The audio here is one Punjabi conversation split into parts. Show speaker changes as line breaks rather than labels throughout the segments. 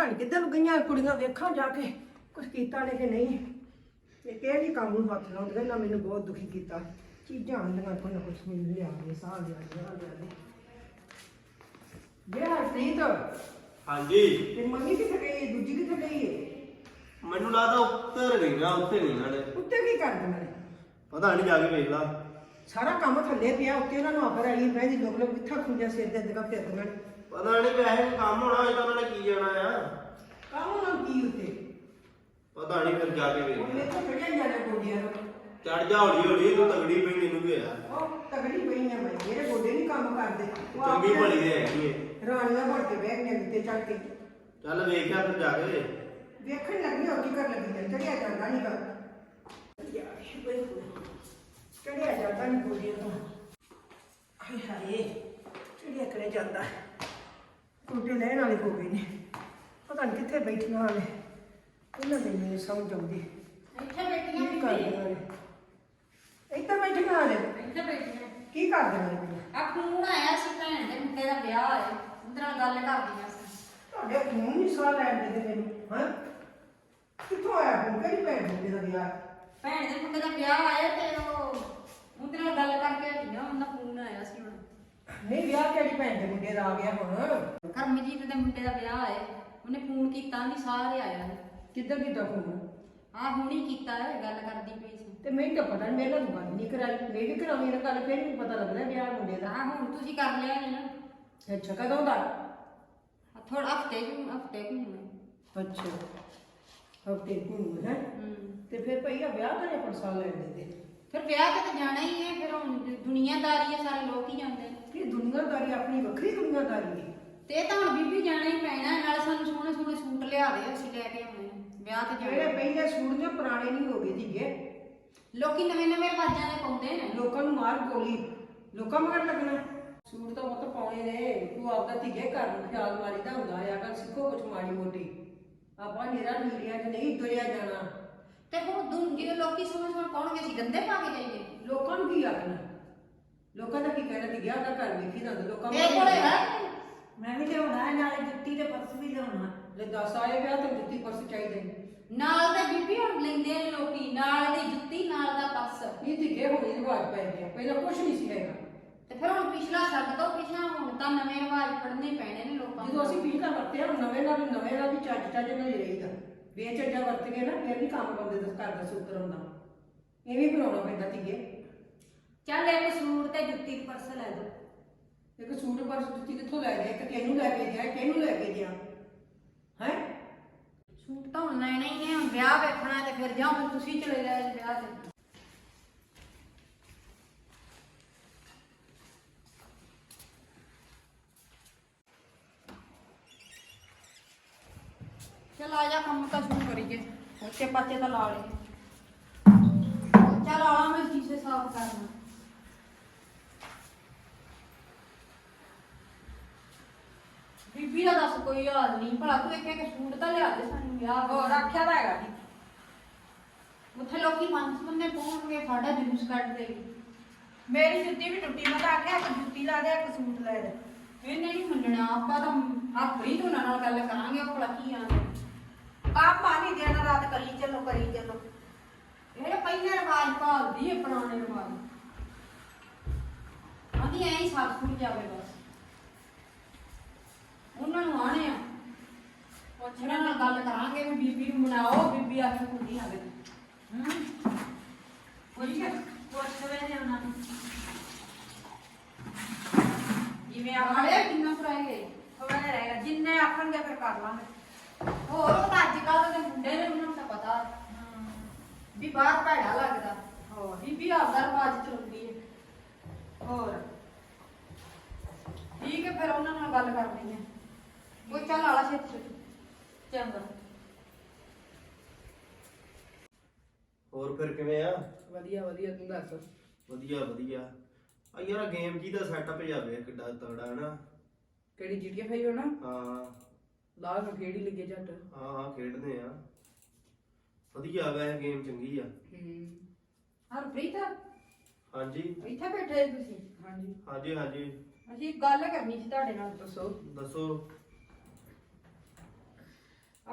ਪਤਾ ਨਹੀਂ ਕਿੱਧਰ ਨੂੰ ਗਈਆਂ ਕੁੜੀਆਂ, ਵੇਖਾਂ ਜਾ ਕੇ ਕੁਛ ਕੀਤਾ ਨੇ ਕਿ ਨਹੀਂ। ਇਹ ਕਿਹੜੀ ਕੰਮ ਨੂੰ ਹੱਥ ਲਾਉਂਦੀਆਂ ਨਾ, ਮੈਨੂੰ ਬਹੁਤ ਦੁਖੀ ਕੀਤਾ। ਚੀਜ਼ਾਂ ਆਉਂਦੀਆਂ ਕੋਈ ਨਾ ਕੁਛ ਮੈਨੂੰ ਲਿਆ ਦੇ, ਸਾਹ ਲਿਆ ਦੇ। ਪ੍ਰੀਤ
ਹਾਂਜੀ
ਤੇ ਮੰਮੀ ਕਿੱਥੇ ਗਈ, ਦੂਜੀ ਕਿੱਥੇ ਗਈ ਹੈ?
ਮੈਨੂੰ ਲੱਗਦਾ ਉੱਤਰ ਗਈ ਨਾ, ਉੱਤੇ ਨਹੀਂ ਨਾਲੇ।
ਉੱਤੇ ਕੀ ਕਰਦੇ ਨੇ?
ਪਤਾ ਨਹੀਂ, ਜਾ ਕੇ ਵੇਖ ਲਾ।
ਸਾਰਾ ਕੰਮ ਥੱਲੇ ਪਿਆ, ਉੱਤੇ ਉਹਨਾਂ ਨੂੰ ਆਖਰ ਆਈ ਬਹਿ ਜੀ, ਲੋਕ ਕਿੱਥਾ ਖੁੰਝਾ ਸਿਰ ਦੇ ਅੱਗੇ ਫਿਰਦੀਆਂ ਨੇ।
ਪਤਾ ਨਹੀਂ ਵੈਸੇ ਕੰਮ ਹੋਣਾ ਹੋਇਆ ਤਾਂ ਉਹਨਾਂ ਨੇ ਕੀ ਜਾਣਾ ਆ।
ਕੰਮ ਉਹਨਾਂ ਨੂੰ ਕੀ ਉੱਤੇ?
ਪਤਾ ਨਹੀਂ, ਫਿਰ ਜਾ ਕੇ ਵੇਖ
ਉਹਨੇ
ਲਾ।
ਤਾਂ ਖੜਿਆ ਜਾਣਾ ਗੋਡਿਆਂ ਨੂੰ।
ਚੜ ਜਾ ਹੌਲੀ ਹੌਲੀ, ਤੂੰ ਤਗੜੀ ਪਈ ਮੈਨੂੰ ਵੀ ਆ।
ਉਹ ਤਗੜੀ ਪਈ ਆ ਮੈਂ, ਮੇਰੇ ਗੋਡੇ ਨਹੀਂ ਕੰਮ ਕਰਦੇ। ਉਹ
ਚੰਗੀ
ਆਪਣੀਆਂ
ਭਲੀ ਦੇ ਹੈਗੀ ਏ।
ਰਾਣੀਆਂ ਬਣ ਕੇ ਬਹਿ ਗਈਆਂ ਉੱਤੇ ਚੜ ਕੇ।
ਚੱਲ ਵੇਖਿਆ ਫਿਰ ਜਾ ਕੇ।
ਵੇਖਣ ਲੱਗੀ ਹੋ ਕੀ ਕਰ ਲੱਗੀ ਹੈ, ਚੜਿਆ ਜਾਂਦਾ ਨਹੀਂ ਗਾ। ਚੜਿਆ ਜਾਂਦਾ ਨਹੀਂ ਗੋਡਿਆਂ ਤੋਂ। ਹਾਏ ਹਾਏ, ਚੜਿਆ ਕਰੇ ਜਾਂਦਾ। ਗੋਡੇ ਲੈਣ ਵਾਲੇ ਹੋ ਗਏ ਨੇ, ਪਤਾ ਨਹੀਂ ਕਿੱਥੇ ਬੈਠੀਆਂ ਨੇ। ਇਹਨਾਂ ਦੇ ਮੈਨੂੰ ਸਮਝ ਆਉਂਦੀ
ਇੱਥੇ ਬੈਠੀਆਂ
ਕੀ ਕਰਦੀਆਂ ਨੇ। ਇੱਧਰ ਬੈਠੀਆਂ ਨੇ,
ਇੱਥੇ ਬੈਠੀਆਂ
ਕੀ ਕਰਦੀਆਂ ਨੇ?
ਆ ਫੋਨ ਆਇਆ ਸੀ ਭੈਣ ਦੇ ਮੁੰਡੇ ਦਾ ਵਿਆਹ ਹੈ, ਉਹਦੇ ਨਾਲ ਗੱਲ ਕਰਦੀਆਂ ਸੀ।
ਤੁਹਾਡੇ ਖੂਨ ਨਹੀਂ ਸਾਹ ਲੈਣ ਦੇ ਮੈਨੂੰ, ਹਾਂ? ਕਿੱਥੋਂ ਆਇਆ ਫੋਨ? ਕਿਹੜੀ ਭੈਣ ਮੁੰਡੇ ਦਾ ਵਿਆਹ?
ਭੈਣ ਦੇ ਮੁੰਡੇ ਦਾ ਵਿਆਹ ਆਇਆ ਤੇ ਉਹਦੇ ਨਾਲ ਗੱਲ ਕਰਕੇ ਹਟੀਆਂ, ਉਹਨਾਂ ਫੋਨ ਆਇਆ ਸੀ ਹੁਣ।
ਨਹੀਂ, ਵਿਆਹ ਕਿਹੜੀ ਭੈਣ ਦੇ ਮੁੰਡੇ ਦਾ ਆ ਗਿਆ ਹੁਣ?
ਕਰਮਜੀਤ ਦੇ ਮੁੰਡੇ ਦਾ ਵਿਆਹ ਹੈ, ਉਹਨੇ ਫੋਨ ਕੀਤਾ ਨਹੀਂ, ਸਾਰੇ ਆਇਆ ਨੇ।
ਕਿੱਧਰ ਕੀਤਾ ਫੋਨ?
ਆ ਹੁਣੀ ਕੀਤਾ ਹੈ, ਗੱਲ ਕਰਦੀ ਪਈ ਸੀ।
ਤੇ ਮੈਨੂੰ ਤਾਂ ਪਤਾ ਨਹੀਂ, ਮੇਰੇ ਨਾਲ ਗੱਲ ਨਹੀਂ ਕਰਾਈ। ਮੈਂ ਵੀ ਕਰਾਉਣੀ ਨਾ ਗੱਲ, ਫਿਰ ਵੀ ਪਤਾ ਲੱਗਦਾ ਵਿਆਹ ਮੁੰਡੇ ਦਾ।
ਹਾਂ ਹੁਣ ਤੁਸੀਂ ਕਰ ਲਿਆ ਨੇ ਨਾ।
ਅੱਛਾ, ਕਦੋਂ ਦਾ?
ਥੋੜਾ ਹਫਤੇ ਨੂੰ
ਅੱਛਾ, ਹਫ਼ਤੇ ਨੂੰ ਹੈ। ਤੇ ਫਿਰ ਭਈਆ ਵਿਆਹ ਤਾਂ ਨਹੀਂ ਸਾਲ ਲੈ ਦਿੰਦੇ।
ਫਿਰ ਵਿਆਹ ਤੇ ਤਾਂ ਜਾਣਾ ਹੀ ਹੈ, ਫਿਰ ਹੁਣ ਦੁਨੀਆਦਾਰੀ ਹੈ, ਸਾਰੇ ਲੋਕ ਹੀ ਜਾਂਦੇ ਨੇ।
ਇਹ ਦੁਨੀਆਦਾਰੀ ਆਪਣੀ ਵੱਖਰੀ ਦੁਨੀਆਦਾਰੀ ਹੈ।
ਤੇ ਇਹ ਤਾਂ ਹੁਣ ਬੀਬੀ ਜਾਣਾ ਹੀ ਪੈਣਾ, ਨਾਲ ਸਾਨੂੰ ਸੋਹਣੇ ਸੋਹਣੇ ਸੂਟ ਲਿਆ ਦੇ, ਅਸੀਂ ਲੈ ਕੇ ਆਉਣੇ ਵਿਆਹ ਤੇ
ਜਿਹੜੇ
ਜਾਣਾ।
ਪਹਿਲੇ ਸੂਟ ਜੋ ਪੁਰਾਣੇ ਨਹੀਂ ਹੋ ਗਏ ਸੀਗੇ।
ਲੋਕੀ ਨਵੇਂ ਨਵੇਂ ਰਿਵਾਜਾਂ ਦੇ ਪਾਉਂਦੇ ਨੇ।
ਲੋਕਾਂ ਨੂੰ ਮਾਰ ਗੋਲੀ, ਲੋਕਾਂ ਮਗਰ ਲੱਗਣਾ। ਸੂਟ ਤਾਂ ਬਹੁਤ ਪਾਉਣੇ ਨੇ। ਤੂੰ ਆਪਦਾ ਧੀਏ ਘਰ ਨੂੰ ਖਿਆਲ ਮਾਰੀਦਾ ਹੁੰਦਾ ਆ। ਅਗਰ ਸਿੱਖੋ ਕੁਛ ਮਾੜੀ ਮੋਟੀ, ਆਪਾਂ ਨਿਰਾ ਨੀੜੀਆਂ 'ਚ ਨਹੀਂ ਤੁਰਿਆ ਜਾਣਾ।
ਤੇ ਹੁਣ ਜਿਹੜੇ ਲੋਕੀ ਸੋਹਣੇ ਸੋਹਣੇ ਪਾਉਣਗੇ, ਅਸੀਂ ਗੰਦੇ ਪਾ ਕੇ ਜਾਈਏ?
ਲੋਕਾਂ ਨੂੰ ਕੀ ਆਖਣਾ? ਲੋਕਾਂ ਦਾ ਕੀ ਕਹਿਣਾ? ਧੀਆ ਦਾ ਘਰ ਵੇਖੀ ਜਾਂਦਾ ਲੋਕਾਂ
ਇਹ ਕੋਲੇ ਹੈ
ਮੈਂ ਵੀ ਲਿਆਉਣਾ, ਨਾਲੇ ਜੁੱਤੀ ਤੇ ਪਰਸ ਵੀ ਲਿਆਉਣਾ।
ਲੈ 10 ਆਏ ਵਿਆਹ ਤੇ ਜੁੱਤੀ ਪਰਸ ਚਾਹੀਦੇ ਨੇ।
ਨਾਲ ਤੇ ਬੀਬੀ ਹੁਣ ਲੈਂਦੇ ਨੇ ਲੋਕੀ, ਨਾਲ ਦੀ ਜੁੱਤੀ, ਨਾਲ ਦਾ ਪਰਸ।
ਇਹ ਧੀਏ ਹੁਣ ਹੀ ਰਿਵਾਜ ਪੈ ਗਿਆ, ਪਹਿਲਾਂ ਕੁਛ ਨਹੀਂ ਸੀ ਹੈਗਾ।
ਤੇ ਫਿਰ ਹੁਣ ਪਿਛਲਾ ਛੱਡ ਦੋ, ਪਿਛਲਾ ਹੁਣ ਤਾਂ ਨਵੇਂ ਰਿਵਾਜ ਪੜਨੇ ਪੈਣੇ ਨੇ ਲੋਕਾਂ ਨੂੰ।
ਜਦੋਂ ਅਸੀਂ ਪਿਛਲਾ ਵਰਤਿਆ, ਹੁਣ ਨਵੇਂ ਨਾਲ ਵੀ ਚੱਜ ਨਾਲ ਹੀ ਰਹੇਗਾ। ਬੇਚੱਜਾ ਵਰਤ ਕੇ ਨਾ ਫਿਰ ਨਹੀਂ ਕੰਮ ਬੰਦੇ ਦਾ ਘਰ ਦਾ ਸੂਤਰ ਹੁੰਦਾ। ਇਵੇਂ ਬਣਾਉਣਾ ਪੈਂਦਾ ਧੀਏ।
ਚੱਲ ਇੱਕ ਸੂਟ ਤੇ ਜੁੱਤੀ ਤੇ ਪਰਸ ਲੈ ਦੋ।
ਇੱਕ ਸੂਟ ਪਰਸ ਜੁੱਤੀ ਕਿੱਥੋਂ ਲੈ ਗਿਆ? ਇੱਕ ਕਿਹਨੂੰ ਲੈ ਕੇ ਗਿਆ, ਕਿਹਨੂੰ ਲੈ ਕੇ ਗਿਆ ਹੈ?
ਸੂਟ ਤਾਂ ਹੁਣ ਲੈਣੇ ਹੀ ਨੇ, ਹੁਣ ਵਿਆਹ ਵੇਖਣਾ ਤੇ ਫਿਰ ਜਾਓ, ਤੁਸੀਂ ਚਲੇ ਜਾਓ ਵਿਆਹ ਤੇ। चल आ जा, काम का शुरू करिए। बच्चे पाचे तो ला लेंगे। चल आ, मैं शीशे साफ करना। बीबी का दस कोई हाल नहीं, भला तू एक सूट तो लिया दे सानू विआह हो रखा तो हैगा जी। उत्थे लोकी पंज बंदे पहुंचणगे, साडा जुलूस कट देगी।
ਮੇਰੀ ਜੁੱਤੀ ਵੀ ਟੁੱਟੀ, ਮੈਂ ਤਾਂ ਆਖਿਆ ਇੱਕ ਜੁੱਤੀ ਲਾ ਦੇ, ਇੱਕ ਸੂਟ ਲੈ ਦੇ।
ਇਹਨੇ ਨਹੀਂ ਮੰਨਣਾ, ਆਪਾਂ ਤਾਂ ਆਪਣੀ ਤੋਂ ਨਾਲ ਗੱਲ ਕਰਾਂਗੇ, ਉਹ ਭਲਾ ਕੀ ਆਂਦੇ।
ਕੰਮ ਆ ਨਹੀਂ ਦੇਣਾ, ਰਾਤ ਕੱਲੀ ਚੱਲੋ ਕਰੀ ਚੱਲੋ।
ਇਹ ਪਹਿਲੇ ਰਿਵਾਜ ਭਾਲਦੀ ਹੈ, ਪੁਰਾਣੇ ਰਿਵਾਜ। ਆਂਦੀ ਐਂ ਹੀ ਸਭ ਸੁਣ ਜਾਵੇ ਬਸ। ਉਹਨਾਂ ਨੂੰ ਆਣੇ ਆ, ਉਹਨਾਂ ਨਾਲ ਗੱਲ ਕਰਾਂਗੇ ਵੀ ਬੀਬੀ ਨੂੰ ਮਨਾਓ, ਬੀਬੀ ਆ ਕੇ ਕੁੜੀ ਆਵੇ।
ਪੁੱਛ ਵੇ ਉਹਨਾਂ ਨੂੰ
ਜਿਵੇਂ ਆਖੜੇ ਕਿੰਨਾ ਕਰਾਏਗੇ,
ਥੋੜਾ ਜਿਹਾ ਰਹੇਗਾ, ਜਿੰਨੇ ਆਖਣਗੇ ਫਿਰ ਕਰ ਲਾਂਗੇ।
ਹੋਰ ਉਹ ਤਾਂ ਅੱਜ ਕੱਲ੍ਹ ਦੇ ਮੁੰਡੇ ਨੇ, ਉਹਨਾਂ ਨੂੰ ਤਾਂ ਪਤਾ ਵੀ ਬਾਹਰ ਭੈੜਾ ਲੱਗਦਾ।
ਹੋਰ
ਬੀਬੀ ਆਪਦਾ ਰਿਵਾਜ ਚਲਾਉਂਦੀ ਹੈ।
ਹੋਰ
ਠੀਕ ਹੈ, ਫਿਰ ਉਹਨਾਂ ਨਾਲ ਗੱਲ ਕਰਨੀ ਹੈ। ਕੋਈ ਚੱਲ ਆਲਾ ਛੇਤੀ ਚੰਗਾ।
ਹੋਰ ਫਿਰ ਕਿਵੇਂ ਆ?
ਵਧੀਆ ਵਧੀਆ, ਤੂੰ ਦੱਸ।
ਵਧੀਆ ਵਧੀਆ। ਆ ਯਾਰ ਗੇਮ ਜੀ ਦਾ ਸੈਟਅਪ ਜਾਵੇ ਕਿੱਡਾ ਤਗੜਾ ਹੈ ਨਾ।
ਕਿਹੜੀ GTA 5 ਹੋਣਾ?
ਹਾਂ
ਲਾ ਕੇ ਕਿਹੜੀ ਲੱਗੇ ਝੱਟ।
ਹਾਂ ਖੇਡਦੇ ਆ। ਵਧੀਆ ਵੈ ਗੇਮ ਚੰਗੀ ਆ।
ਹਰਪ੍ਰੀਤ
ਹਾਂਜੀ
ਇੱਥੇ ਬੈਠੇ ਤੁਸੀਂ?
ਹਾਂਜੀ
ਹਾਂਜੀ ਹਾਂਜੀ
ਅਸੀਂ ਇੱਕ ਗੱਲ ਕਰਨੀ ਸੀ ਤੁਹਾਡੇ ਨਾਲ।
ਦੱਸੋ।
ਦੱਸੋ।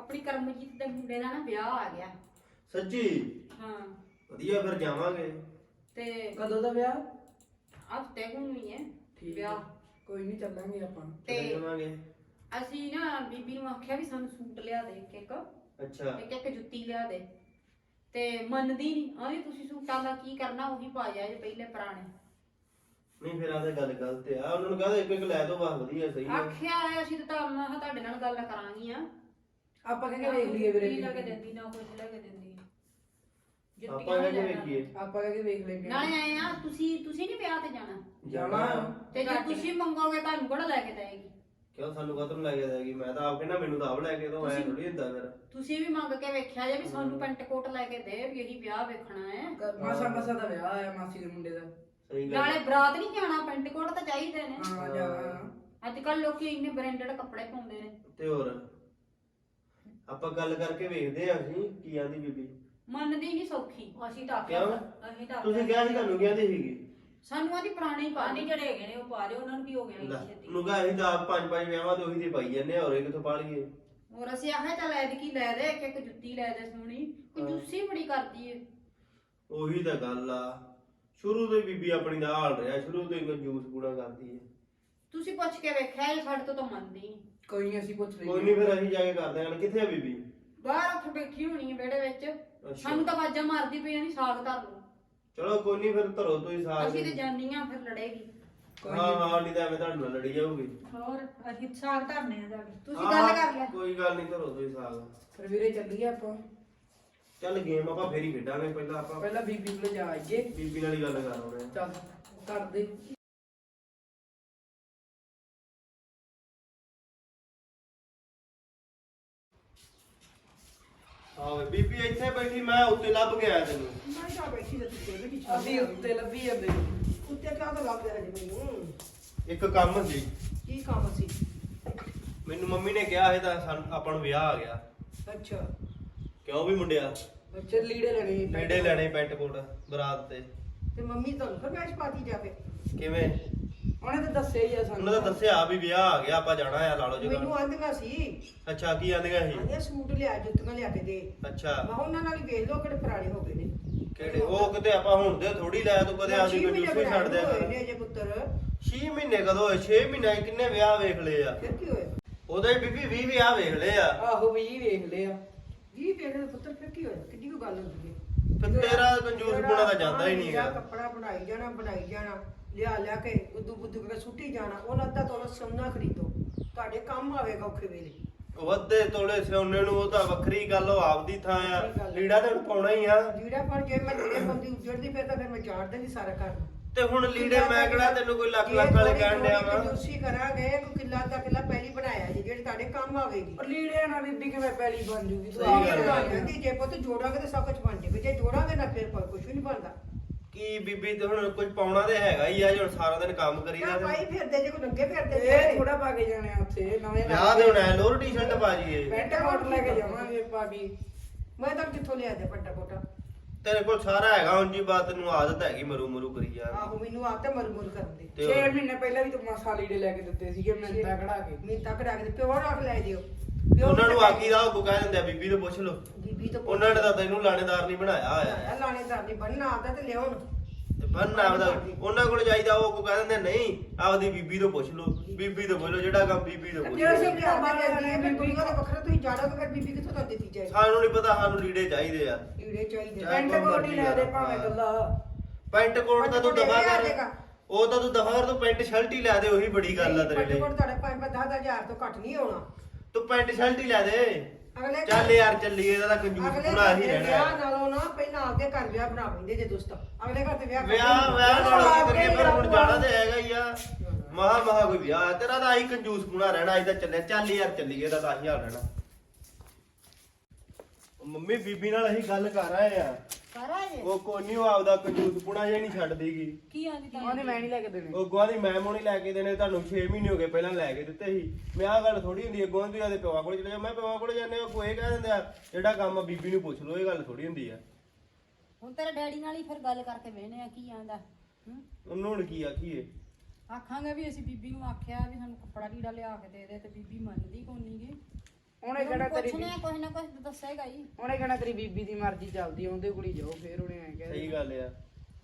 ਆਪਣੀ ਕਰਮਜੀਤ ਦੇ ਮੁੰਡੇ ਦਾ ਨਾ ਵਿਆਹ ਆ ਗਿਆ।
ਸੱਚੀ?
ਹਾਂ
ਵਧੀਆ, ਫਿਰ ਜਾਵਾਂਗੇ।
ਤੇ
ਕਦੋਂ ਦਾ ਵਿਆਹ?
ਹਫਤੇ ਨੂੰ ਹੀ ਹੈ
ਠੀਕ
ਵਿਆਹ।
ਹੈ, ਕੋਈ ਨਹੀਂ ਚੱਲਾਂਗੇ ਆਪਾਂ।
ਤੇ
ਚਲੇ ਜਾਵਾਂਗੇ।
ਅਸੀਂ ਨਾ ਬੀਬੀ ਨੂੰ ਆਖਿਆ ਵੀ ਸਾਨੂੰ ਸੂਟ ਲਿਆ ਦੇ ਇੱਕ
ਅੱਛਾ।
ਇੱਕ ਜੁੱਤੀ ਲਿਆ ਦੇ, ਤੇ ਮੰਨਦੀ ਨਹੀਂ। ਆਂਦੀ ਤੁਸੀਂ ਸੂਟਾਂ ਦਾ ਕੀ ਕਰਨਾ, ਉਹੀ ਪਾ ਜਾ ਜੇ ਪਹਿਲੇ ਪੁਰਾਣੇ।
ਨਹੀਂ ਫਿਰ ਆ ਤਾਂ ਗੱਲ ਗਲਤ ਆ, ਉਹਨਾਂ ਨੂੰ ਕਹਦਾ ਇੱਕ ਇੱਕ ਲੈ ਦੋ, ਬਸ ਵਧੀਆ ਸਹੀ ਆ।
ਆਖਿਆ ਹੈ ਅਸੀਂ ਤਾਂ ਮੈਂ ਕਿਹਾ ਤੁਹਾਡੇ ਨਾਲ ਗੱਲ ਕਰਾਂਗੀ ਆ।
ਆਪਾਂ ਕਹਿੰਦੇ ਵੇਖ ਲਈਏ ਵੀਰੇ।
ਕੀ ਲੈ ਕੇ ਦਿੰਦੀ ਨਾ ਕੁਝ ਲੈ ਕੇ ਦਿੰਦੀ।
ਆਪਾਂ ਕਹਿੰਦੇ ਵੇਖੀਏ।
ਆਪਾਂ ਕਹਿੰਦੇ ਵੇਖ ਲੈਂਦੇ
ਨਾਲੇ ਆਏ ਆ ਤੁਸੀਂ ਨਹੀਂ ਵਿਆਹ ਤੇ ਜਾਣਾ,
ਜਾਣਾ।
ਤੇ ਜੇ ਤੁਸੀਂ ਮੰਗੋਗੇ ਤੁਹਾਨੂੰ ਕਿਹੜਾ ਲੈ ਕੇ ਦੇਏਗੀ?
ਕਿਉਂ ਸਾਨੂੰ ਕਦੋਂ ਲੈ ਕੇ ਦੇਗੀ? ਮੈਂ ਤਾਂ ਆਪ ਕਹਿੰਦਾ ਮੈਨੂੰ ਤਾਂ ਆਪ ਲੈ ਕੇ ਦੋ, ਐ ਥੋੜੀ ਹੁੰਦਾ ਫਿਰ।
ਤੁਸੀਂ ਵੀ ਮੰਗ ਕੇ ਵੇਖਿਆ ਜੇ ਵੀ ਸਾਨੂੰ ਪੈਂਟ ਕੋਟ ਲੈ ਕੇ ਦੇ, ਵੀ ਇਹੀ ਵਿਆਹ ਵੇਖਣਾ ਹੈ।
ਮਾਸਾ ਦਾ ਵਿਆਹ ਆਇਆ ਮਾਸੀ ਦੇ ਮੁੰਡੇ ਦਾ।
ਸਹੀ ਗੱਲ।
ਨਾਲੇ ਬਰਾਤ ਨਹੀਂ ਜਾਣਾ, ਪੈਂਟ ਕੋਟ ਤਾਂ ਚਾਹੀਦੇ ਨੇ।
ਹਾਂ ਜਾਣਾ।
ਅੱਜ ਕੱਲ ਲੋਕੀ ਇੰਨੇ ਬ੍ਰਾਂਡਡ ਕੱਪੜੇ ਪਾਉਂਦੇ ਨੇ।
ਤੇ ਹੋਰ ਆਪਾਂ ਗੱਲ ਕਰਕੇ ਵੇਖਦੇ ਆ ਅਸੀਂ ਕੀ ਆਂਦੀ ਬੀਬੀ।
ਮੰਨਦੀ ਨਹੀਂ ਸੌਖੀ।
ਅਸੀਂ ਤਾਂ
ਕਿਉਂ?
ਅਸੀਂ ਤਾਂ
ਤੁਸੀਂ ਕਿਹਾ ਸੀ ਤੁਹਾਨੂੰ ਕਹਿੰਦੀ ਸੀਗੀ।
ਸਾਨੂੰ ਆਦੀ ਪੁਰਾਣੇ ਹੀ
ਪਾਣੀ
ਪਾਣੀ।
ਜਿਹੜੇ ਹੈਗੇ ਨੇ ਉਹ ਪਾ ਲਿਓ, ਉਹਨਾਂ ਨੂੰ ਕੀ ਹੋ ਗਿਆ ਇੰਨੀ ਛੇਤੀ?
ਨੂੰ ਕਹਾ ਅਸੀਂ ਤਾਂ ਆਪ ਪੰਜ ਪੰਜ ਵਿਆਹਾਂ ਤੇ ਉਹੀ ਤੇ ਪਾਈ ਜਾਂਦੇ ਆ, ਹੋਰ ਇਹ ਕਿੱਥੋਂ ਪਾ ਲਈਏ?
ਹੋਰ ਅਸੀਂ ਆਖਿਆ ਚੱਲ ਐਤਕੀ ਲੈ ਦੇ, ਇੱਕ ਇੱਕ ਜੁੱਤੀ ਲੈ ਦੇ ਸੋਹਣੀ। ਕੰਜੂਸੀ ਬੜੀ ਕਰਦੀ ਏ।
ਉਹੀ ਤਾਂ ਗੱਲ ਆ, ਸ਼ੁਰੂ ਤੋਂ ਹੀ ਬੀਬੀ ਆਪਣੀ ਦਾ ਹਾਲ ਰਿਹਾ, ਸ਼ੁਰੂ ਤੋਂ ਹੀ ਕੰਜੂਸ ਪੂਰਾ ਕਰਦੀ ਹੈ।
ਤੁਸੀਂ ਪੁੱਛ ਕੇ ਵੇਖਿਆ ਇਹ ਸਾਡੇ ਤੋਂ ਤਾਂ ਮੰਨਦੀ ਨਹੀਂ।
ਕੋਈ ਨਹੀਂ ਅਸੀਂ ਪੁੱਛ ਲਈਏ।
ਕੋਈ ਨਹੀਂ ਫਿਰ ਅਸੀਂ ਜਾ ਕੇ ਕਰਦੇ ਹਾਂ। ਕਿੱਥੇ ਆ ਬੀਬੀ?
ਬਾਹਰ ਉੱਥੇ ਬੈਠੀ ਹੋਣੀ ਹੈ ਵਿਹੜੇ ਵਿੱਚ।
ਅੱਛਾ।
ਸਾਨੂੰ ਤਾਂ ਆਵਾਜ਼ਾਂ ਮਾਰਦੀ ਪਈ ਨਹੀਂ, ਸਾਗ ਧਰ ਲਓ।
ਚਲੋ ਕੋਈ ਨਹੀਂ ਫਿਰ ਧਰੋ ਤੁਸੀਂ ਸਾਥ।
ਅਸੀਂ ਤੇ ਜਾਨੀਆਂ ਫਿਰ ਲੜੇਗੀ।
ਹਾਂ ਹਾਂ, ਨਹੀਂ ਤਾਂ ਐਵੇਂ ਤੁਹਾਡੇ ਨਾਲ ਲੜੀ ਜਾਊਗੀ।
ਹੋਰ ਅਸੀਂ ਸਾਗ ਧਰਨੇ ਆ ਜਾ ਕੇ।
ਤੁਸੀਂ ਗੱਲ ਕਰ ਲੈ।
ਕੋਈ ਗੱਲ ਨਹੀਂ, ਧਰੋ ਤੁਸੀਂ ਸਾਥ।
ਫਿਰ ਵੀਰੇ ਚੱਲੀਏ ਆਪਾਂ।
ਚੱਲ ਗੇਮ ਆਪਾਂ ਫੇਰ ਹੀ ਖੇਡਾਂਗੇ, ਪਹਿਲਾਂ ਆਪਾਂ
ਪਹਿਲਾਂ ਬੀਬੀ ਕੋਲ ਜਾ ਆਈਏ।
ਬੀਬੀ ਨਾਲ ਹੀ ਗੱਲ ਕਰ ਆਉਣੇ ਆ।
ਚੱਲ ਕਰਦੇ।
ਆਵੇ ਬੀਬੀ ਇੱਥੇ ਬੈਠੀ, ਮੈਂ ਉੱਤੇ ਲੱਭ ਗਿਆ ਤੈਨੂੰ।
ਮੈਂ ਤਾਂ ਬੈਠੀ ਤੇ ਤੂੰ ਬੈਠੀ
ਅਸੀਂ ਉੱਤੇ ਲੱਭੀ ਜਾਂਦੇ।
ਉੱਤੇ ਕਿਉਂ ਤਾਂ ਲੱਗ ਰਿਹਾ ਜੀ ਮੈਨੂੰ?
ਇੱਕ ਕੰਮ ਸੀ,
ਕੀ ਕੰਮ ਸੀ?
ਮੈਨੂੰ ਮੰਮੀ ਨੇ ਕਿਹਾ ਸੀ ਤਾਂ ਆਪਾਂ ਨੂੰ ਵਿਆਹ ਆ ਗਿਆ।
ਅੱਛਾ
ਕਿਉਂ ਵੀ ਮੁੰਡਿਆ?
ਬੱਚੇ ਲੀੜੇ ਲੈਣੇ ਸੀ।
ਲੀੜੇ ਲੈਣੇ ਪੈਂਟ ਕੋਟ ਬਰਾਤ ਤੇ।
ਤੇ ਮੰਮੀ ਤੁਹਾਨੂੰ ਫਰਮਾਇਸ਼ ਪਾਤੀ ਜਾਵੇ।
ਕਿਵੇਂ?
ਉਹਨੇ ਤਾਂ ਦੱਸਿਆ ਹੀ ਆ ਸਾਨੂੰ।
ਉਹਨਾਂ ਦਾ ਦੱਸਿਆ ਵੀ ਵਿਆਹ ਆ ਗਿਆ, ਆਪਾਂ ਜਾਣਾ ਆ, ਲਾ ਲਓ
ਮੈਨੂੰ
ਜਗਾ।
ਆਂਦੀਆਂ ਸੀ,
ਅੱਛਾ, ਕੀ ਆਂਦੀਆਂ ਸੀ?
ਆਂਦੀਆਂ ਸੂਟ ਲਿਆ, ਜੁੱਤੀਆਂ ਲਿਆ ਕੇ ਦੇ।
ਅੱਛਾ,
ਮੈਂ ਕਿਹਾ ਉਹਨਾਂ ਨਾਲ ਹੀ ਵੇਖ ਲਓ ਕਿਹੜੇ ਪੁਰਾਣੇ ਹੋ ਗਏ ਨੇ।
ਕਿਹੜੇ? ਉਹ ਕਿਤੇ ਆਪਾਂ ਹੁਣ ਦੇ ਥੋੜੀ ਲਾਇਆ, ਤੂੰ ਕਦੇ ਆਪਦੀ ਕੰਜੂਸੀ ਛੱਡ ਦਿਆ
ਹੋਏ
ਕਰ।
ਨੇ ਜੇ ਪੁੱਤਰ।
6 ਮਹੀਨੇ ਕਦੋਂ ਹੋਏ? 6 ਮਹੀਨੇ ਕਿੰਨੇ ਵਿਆਹ ਵੇਖ ਲਏ ਆ?
ਫਿਰ ਕੀ ਹੋਇਆ?
ਉਹਦੇ ਬੀਬੀ 20 ਵਿਆਹ ਵੇਖ ਲਏ ਆ।
ਆਹੋ ਵੀ ਵੇਖ ਲਿਆ।
ਜੀ ਵੇਖ ਲੈ ਪੁੱਤਰ, ਫਿਰ ਕੀ ਹੋਇਆ? ਕਿੱਡੀ ਕੋਈ ਗੱਲ ਹੁੰਦੀ ਹੈ?
ਫਿਰ ਤੇਰਾ ਕੰਜੂਸ ਪੁਣਾ ਤਾਂ ਜਾਂਦਾ ਹੀ ਨਹੀਂ
ਜਿਹੜਾ
ਹੈਗਾ।
ਕੱਪੜਾ ਬਣਾਈ ਜਾਣਾ ਲਿਆ ਲਿਆ ਕੇ ਗੁੱਦੂ ਗੁੱਦੂ ਕੇ ਸੁੱਟੀ ਜਾਣਾ। ਉਹਨਾਂ ਅੱਧਾ ਤੋਲਾ ਸੋਨਾ ਖਰੀਦੋ, ਤੁਹਾਡੇ ਕੰਮ ਆਵੇਗਾ ਔਖੇ ਵੇਲੇ।
ਵੱਧੇ ਤੋਲੇ ਸਿਉਨੇ ਨੂੰ ਉਹ ਤਾਂ ਵੱਖਰੀ ਗੱਲ, ਉਹ ਆਪਦੀ ਥਾਂ ਆ। ਲੀੜਾ ਤਾਂ ਪਾਉਣਾ ਹੀ ਆ।
ਜਿਹੜਾ ਪਰ ਜੇ ਮੈਂ ਲੀੜੇ ਪਾਉਂਦੀ ਉੱਜੜਦੀ ਫਿਰ ਤਾਂ ਫਿਰ ਮੈਂ ਝਾੜ ਦਿੰਦੀ ਸਾਰਾ ਘਰ ਨੂੰ।
ਤੇ ਹੁਣ ਲੀੜੇ ਮੈਂ ਕਿਹੜਾ ਤੈਨੂੰ ਕੋਈ ਲੱਖ ਲੱਖ ਵਾਲੇ ਕਹਿਣ ਡਿਆ ਵਾ।
ਕੰਜੂਸੀ ਕਰਾਂਗੇ, ਕੋਈ ਕਿੱਲਾ ਦਾ ਕਿੱਲਾ ਪਹਿਲੀ ਬਣਾਇਆ ਜੀ, ਜਿਹੜੀ ਤੁਹਾਡੇ ਕੰਮ ਆਵੇਗੀ।
ਔਰ ਲੀੜਿਆਂ ਨਾਲ ਬੀਬੀ ਕਿਵੇਂ ਪੈਲੀ ਬਣ ਜੂਗੀ? ਤੂੰ
ਸਹੀ
ਆਪ
ਗੱਲ
ਬਣਾ
ਹੈ।
ਲਿਆ।
ਜੇ ਪੁੱਤ ਜੋੜਾਂਗੇ ਤਾਂ ਸਭ ਕੁਝ ਬਣ ਜਾਵੇ, ਜੇ ਜੋੜਾਂਗੇ ਨਾ ਫਿਰ ਕੁਝ ਵੀ ਨਹੀਂ ਬਣਦਾ।
ਕੀ ਬੀਬੀ ਤੇ ਹੁਣ ਕੁਝ ਪਾਉਣਾ ਤੇ ਹੈਗਾ ਹੀ ਆ, ਜੇ ਹੁਣ ਸਾਰਾ ਦਿਨ ਕੰਮ ਕਰੀਦਾ
ਤਾਂ
ਤੇ
ਪਾਈ ਫਿਰਦੇ ਜੇ ਕੋਈ ਨੰਗੇ ਫਿਰਦੇ
ਇਹ ਥੋੜਾ ਪਾ ਕੇ ਜਾਣੇ ਆ ਉੱਥੇ ਨਵੇਂ
ਵਿਆਹ ਦੇ ਹੋਣਾ ਲੋਰ ਟੀ-ਸ਼ਰਟ ਪਾ ਜੀਏ।
ਪੈਂਟ ਕੋਟ ਲੈ ਕੇ ਜਾਵਾਂਗੇ ਪਾ ਕੇ।
ਮੈਂ ਤਾਂ ਕਿੱਥੋਂ ਲਿਆ ਦੇ ਪੱਟਾ ਕੋਟਾ।
ਤੇਰੇ ਕੋਲ ਸਾਰਾ ਹੈਗਾ, ਉਂਝ ਹੀ ਬਾਤ ਤੈਨੂੰ ਆਦਤ ਹੈਗੀ ਮਰੂ ਮਰੂ ਕਰੀ ਜਾ।
ਆਹੋ ਮੈਨੂੰ ਆਪ ਤੇ ਮਰ ਮੁਰ ਕਰਨ ਦੀ।
6 ਮਹੀਨੇ ਪਹਿਲਾਂ ਵੀ ਤੂੰ ਮਾਸਾ ਲੀੜੇ ਲੈ ਕੇ ਦਿੱਤੇ ਸੀਗੇ ਮਿੰਤਾ ਕਢਾ ਕੇ।
ਮੈਨੂੰ ਤੱਕ ਰੱਖ ਦੇ, ਪਿਓ ਰੱਖ ਲੈ ਦਿਓ।
ਉਹਨਾਂ ਨੂੰ ਆਕੀ ਦਾ ਉਹ ਕਹਿ ਦਿੰਦੇ ਆ, ਬੀਬੀ ਤੋਂ ਪੁੱਛ ਲਓ।
ਬੀਬੀ ਤੋਂ
ਉਹਨਾਂ ਨੇ ਤਾਂ ਤੈਨੂੰ ਲਾਣੇਦਾਰ ਨਹੀਂ ਬਣਾਇਆ ਹੋਇਆ।
ਲਾਣੇਦਾਰ ਨਹੀਂ ਬਣਨਾ, ਆਦਾ ਤੇ ਲਿਆਉਣ।
ਤੇ ਬੰਨ ਆਪਦਾ ਉਹਨਾਂ ਕੋਲ ਜਾਈਦਾ, ਉਹ ਕੋ ਕਹਿ ਦਿੰਦੇ ਨਹੀਂ, ਆਪਦੀ ਬੀਬੀ ਤੋਂ ਪੁੱਛ ਲਓ। ਬੀਬੀ ਤੋਂ ਪੁੱਛ ਲਓ, ਜਿਹੜਾ ਕੰਮ ਬੀਬੀ ਤੋਂ ਪੁੱਛ
ਜਿਹੜਾ
ਲਓ।
ਸੇ ਲਿਆ ਦੇ ਬੀਬੀ ਕੋਲ ਵੱਖਰਾ ਤੁਸੀਂ ਜਾੜੋਗੇ, ਫਿਰ ਬੀਬੀ ਕਿੱਥੋਂ ਤਾਂ ਦਿੱਤੀ ਜਾਏ?
ਸਾਨੂੰ ਨਹੀਂ ਪਤਾ, ਸਾਨੂੰ ਲੀੜੇ ਚਾਹੀਦੇ ਆ।
ਲੀੜੇ ਚਾਹੀਦੇ।
ਪੈਂਟ ਕੋਟ ਹੀ ਲੈ ਦੇ ਭਾਵੇਂ ਗੱਲਾ।
ਪੈਂਟ ਕੋਟ ਤਾਂ ਤੂੰ ਦਫਾ ਕਰ,
ਜਾਏਗਾ।
ਉਹ ਤਾਂ ਤੂੰ ਦਫਾ ਕਰ, ਤੂੰ ਪੈਂਟ ਸ਼ਰਟ ਹੀ ਲੈ ਦੇ, ਉਹੀ ਬੜੀ ਗੱਲ ਆ ਤੇਰੇ ਲਈ।
ਕੋਟ ਤੁਹਾਡੇ 5-10,000 ਤੋਂ ਘੱਟ ਨਹੀਂ ਆਉਣਾ।
ਤੂੰ ਪੈਂਟ ਸ਼ਰਟ ਹੀ ਲੈ ਦੇ।
ਅਗਲੇ
ਚੱਲ ਯਾਰ ਚੱਲੀਏ, ਇਹਦਾ ਤਾਂ ਕੰਜੂਸ
ਅਗਲੇ
ਪੂਰਾ ਹੀ
ਘਰ ਦੇ
ਰਹਿਣਾ
ਵਿਆਹ
ਹੈ।
ਨਾਲੋਂ ਨਾ ਪਹਿਲਾਂ ਆਪਦੇ ਘਰ ਵਿਆਹ ਬਣਾ ਲੈਂਦੇ ਜੇ ਦੋਸਤ। ਅਗਲੇ ਘਰ ਤੇ ਵਿਆਹ
ਵਿਆਹ ਨਾਲ ਕੀ ਕਰੀਏ, ਪਰ ਹੁਣ ਜਾਣਾ ਤੇ ਹੈਗਾ ਹੀ ਆ। ਮਹਾ ਕੋਈ ਵਿਆਹ ਹੈ ਤੇਰਾ, ਤਾਂ ਆਹੀ ਕੰਜੂਸ ਪੂਣਾ ਰਹਿਣਾ। ਅੱਜ ਤਾਂ ਚੱਲੇ, ਚੱਲ ਯਾਰ ਚੱਲੀਏ, ਇਹਦਾ ਤਾਂ ਆਹੀ ਹਾਲ ਰਹਿਣਾ। ਮੰਮੀ ਬੀਬੀ ਨਾਲ ਅਸੀਂ ਗੱਲ ਕਰ ਆਏ ਆ।
ਸਾਰਾ ਜੇ
ਉਹ ਕੋਈ ਨਹੀਂ, ਉਹ ਆਪਦਾ ਕੰਜੂਸ ਪੁਣਾ ਜੇ ਨਹੀਂ ਛੱਡ ਦੇਗੀ।
ਕੀ ਆਂਦੀ ਤਾਂ
ਉਹਨੇ ਮੈਂ ਨਹੀਂ ਲੈ ਕੇ ਦੇਣੇ।
ਉਹ ਗਵਾਂ ਦੀ ਮੈਂ ਮੋਣੀ ਲੈ ਕੇ ਦੇਣੇ, ਤੁਹਾਨੂੰ 6 ਮਹੀਨੇ ਹੋ ਗਏ ਪਹਿਲਾਂ ਲੈ ਕੇ ਦਿੱਤੇ ਸੀ। ਮੈਂ ਆਹ ਗੱਲ ਥੋੜੀ ਹੁੰਦੀ ਹੈ, ਗੋਂ ਦੀ ਆਦੇ ਪਿਓ ਕੋਲ ਚਲੇ ਜਾ। ਮੈਂ ਪਿਓ ਕੋਲ ਜਾਂਦੇ, ਉਹ ਕੋਈ ਕਹਿ ਦਿੰਦੇ ਆ ਜਿਹੜਾ ਕੰਮ ਆ ਬੀਬੀ ਨੂੰ ਪੁੱਛ ਲਓ, ਇਹ ਗੱਲ ਥੋੜੀ ਹੁੰਦੀ ਆ।
ਹੁਣ ਤੇਰੇ ਡੈਡੀ ਨਾਲ ਹੀ ਫਿਰ ਗੱਲ ਕਰਕੇ ਵੇਹਨੇ ਆ ਕੀ ਆਂਦਾ।
ਉਹਨੂੰ ਹੁਣ ਕੀ ਆਖੀਏ?
ਆਖਾਂਗੇ ਵੀ ਅਸੀਂ ਬੀਬੀ ਨੂੰ ਆਖਿਆ ਵੀ ਸਾਨੂੰ ਕੱਪੜਾ ਲੀੜਾ ਲਿਆ ਕੇ ਦੇ ਦੇ, ਤੇ ਬੀਬੀ ਮੰਨਦੀ ਕੋਈ ਨਹੀਂ ਗੀ।
ਉਹਨੇ ਕਹਿਣਾ ਤੇਰੀ
ਪੁੱਛਨੇ ਕੁਝ ਨਾ ਕੁਝ ਦੱਸੇਗਾ ਹੀ।
ਉਹਨੇ ਕਹਿਣਾ ਤੇਰੀ ਬੀਬੀ ਦੀ ਮਰਜ਼ੀ ਚੱਲਦੀ ਆ, ਉਹਦੇ ਕੋਲ ਹੀ ਜਾਓ। ਫਿਰ ਉਹਨੇ ਐ ਕਹਿ
ਸਹੀ ਗੱਲ ਆ।